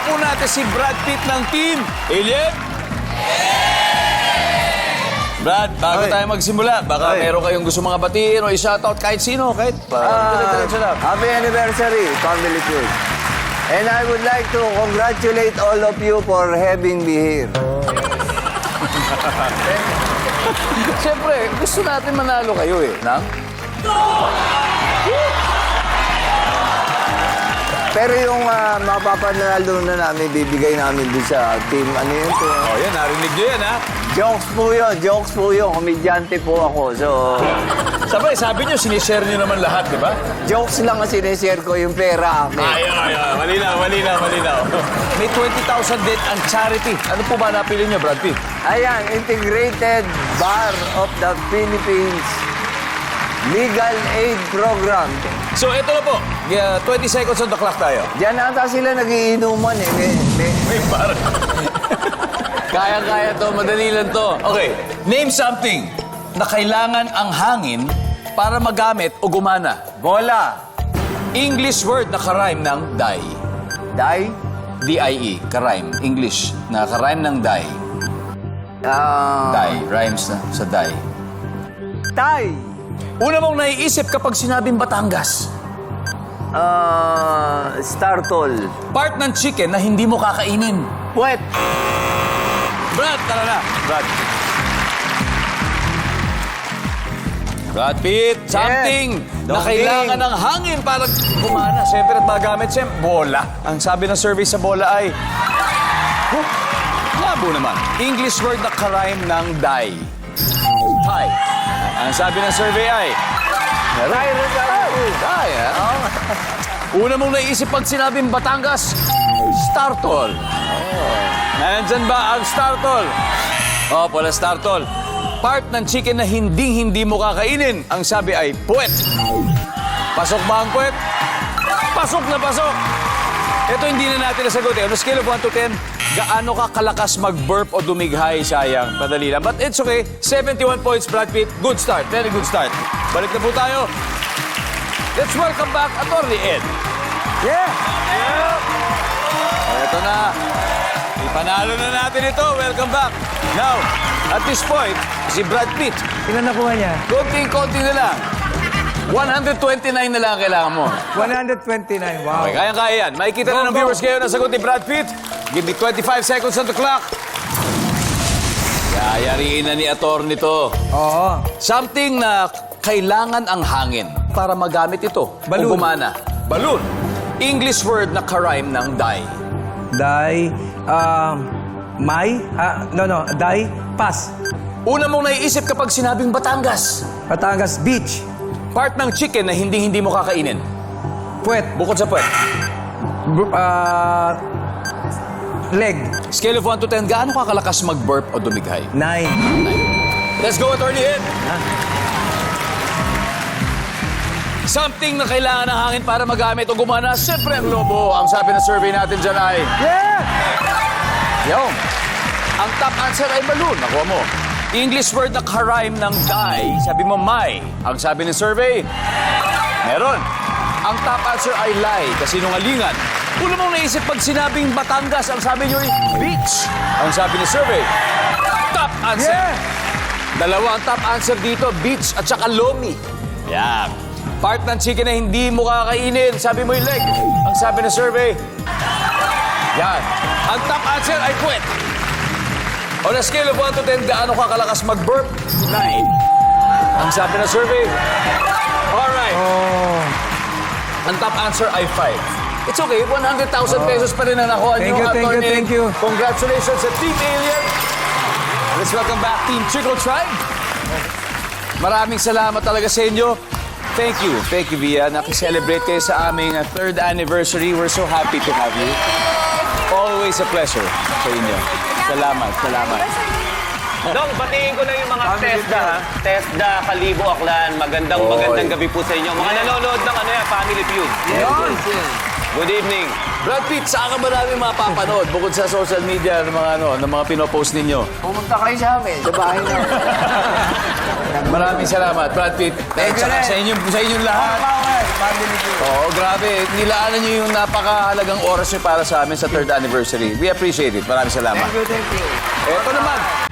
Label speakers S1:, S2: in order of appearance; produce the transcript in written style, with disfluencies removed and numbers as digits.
S1: po natin si Brad Pitt ng team Alien. Brad, bago tayo magsimula, baka meron kayong gusto mga batiin o i-shoutout kahit sino, kahit diretso lang.
S2: Happy anniversary, Family Feud. And I would like to congratulate all of you for having me here.
S1: Siyempre, gusto natin manalo kayo eh, nang?
S2: Pero yung mapapanalo na namin, bibigay namin doon sa team, ano yun to?
S1: Oh, yan, narinig nyo yan, ha?
S2: Jokes po yun. Komedyante po ako. So,
S1: Sabay, sabi nyo, sinishare nyo naman lahat, di ba?
S2: jokes lang ang sinishare ko yung pera akin.
S1: Malinaw. May 20,000 din ang charity. Ano po ba napili nyo, Brad Pitt?
S2: Ayan, Integrated Bar of the Philippines Legal Aid Program.
S1: So, ito na po. 20 seconds on the clock tayo.
S2: Diyan ata sila nagiinuman eh.
S1: May bar. Kaya to. Madali lang to. Okay. Name something na kailangan ang hangin para magamit o gumana.
S2: Bola.
S1: English word na karime ng die.
S2: Die.
S1: D-I-E. Karime. English na karime ng die. Die. Rhymes na sa die.
S2: Tay.
S1: Una mong naiisip kapag sinabing Batangas.
S2: Startol.
S1: Part ng chicken na hindi mo kakainin.
S2: Puwet.
S1: Brad, tara na. Brad Pitt, something na
S2: Dongding.
S1: kailangan ng hangin para gumana. Siyempre at magamit, siyempre, bola. Ang sabi ng survey sa bola ay... labo naman. English word na karime ng die. Tie. Ang sabi ng survey ay... Die, ha? Una mong naisip pag sinabing Batangas, Startol. Nandyan ba ang Startol? Wala Startol. Part ng chicken na hindi mo kakainin. Ang sabi ay puwet. Pasok ba ang puwet? Pasok na pasok. Ito hindi na natin nasagot eh. On a scale of 1 to 10, gaano ka kalakas mag-burp o dumighay? Sayang, madali lang. But it's okay. 71 points, Brad Pitt. Good start. Very good start. Balik na po tayo. Let's welcome back Atty. Ed.
S2: Yeah.
S1: Ito na. Ipanalo na natin ito. Welcome back. Now, at this point, si Brad Pitt.
S3: Ilan nakuha niya?
S1: Konting-konti na lang. 129 na lang ang kailangan mo.
S3: 129. Wow.
S1: Okay, kaya-kaya yan. Makikita na ng viewers kayo na sagot ni Brad Pitt. Give me 25 seconds on the clock. Yayariin na ni Atty. to.
S3: Oo.
S1: Something na kailangan ang hangin para magamit ito.
S3: Balloon.
S1: O gumana. Balloon. English word na karime ng die.
S3: Die. May? Die. Pass.
S1: Una mong naiisip kapag sinabing Batangas.
S3: Batangas Beach.
S1: Part ng chicken na hindi mo kakainin.
S3: Puwet.
S1: Bukod sa puwet.
S3: Leg.
S1: Scale of 1 to 10, gaano ka kalakas mag-burp o dumighay?
S3: 9.
S1: Let's go, Atty. Ed. Something na kailangan ng hangin para magamit o gumana, siyempre ang lobo. Ang sabi ng survey natin dyan ay...
S3: Yeah!
S1: Yung. Ang top answer ay balloon. Nakuha mo. English word na karime ng die. Sabi mo, may. Ang sabi ng survey, meron. Ang top answer ay lie, kasinungalingan. Una mong naisip pag sinabing Batangas, ang sabi nyo ay beach. Ang sabi ng survey, top answer.
S3: Yeah!
S1: Dalawa ang top answer dito, beach at saka lomi. Yan. Part ng chicken na hindi mo kakainin, sabi mo yung leg. Ang sabi ng survey, yan. Ang top answer ay puwet. On a scale of 1 to 10, gaano ka kalakas mag-burp? 9. Ang sabi ng survey, alright.
S3: Oh.
S1: Ang top answer ay 5. It's okay, 100,000 pesos pa rin ang nakuha
S3: Thank
S1: niyo.
S3: you, thank you.
S1: Congratulations sa Team Alien. Let's welcome back Team Chico Tribe. Maraming salamat talaga sa inyo. Thank you, Via. Nakiselebrate kayo sa aming 3rd anniversary. We're so happy to have you. Always a pleasure sa inyo. Salamat.
S4: Dong, batiin ko lang yung mga TESDA, ha? TESDA, Kalibo, Aklan. Magandang gabi po sa inyo. Mga nanonood ng Family Feud.
S2: Yun.
S4: Good evening.
S1: Brad Pitt, saan ka ba namin mapapanood bukod sa social media ng mga, ng mga pinopost ninyo?
S2: Pumunta kayo sa amin, sa bahay na.
S1: Maraming salamat, Brad Pitt.
S2: Thank you
S1: Tsaka
S2: rin.
S1: sa inyong lahat.
S2: Family Feud.
S1: Oo, grabe. Nilaanan niyo yung napakahalagang oras niyo para sa amin sa 3rd anniversary. We appreciate it. Maraming salamat.
S2: Thank you.
S1: Ito naman,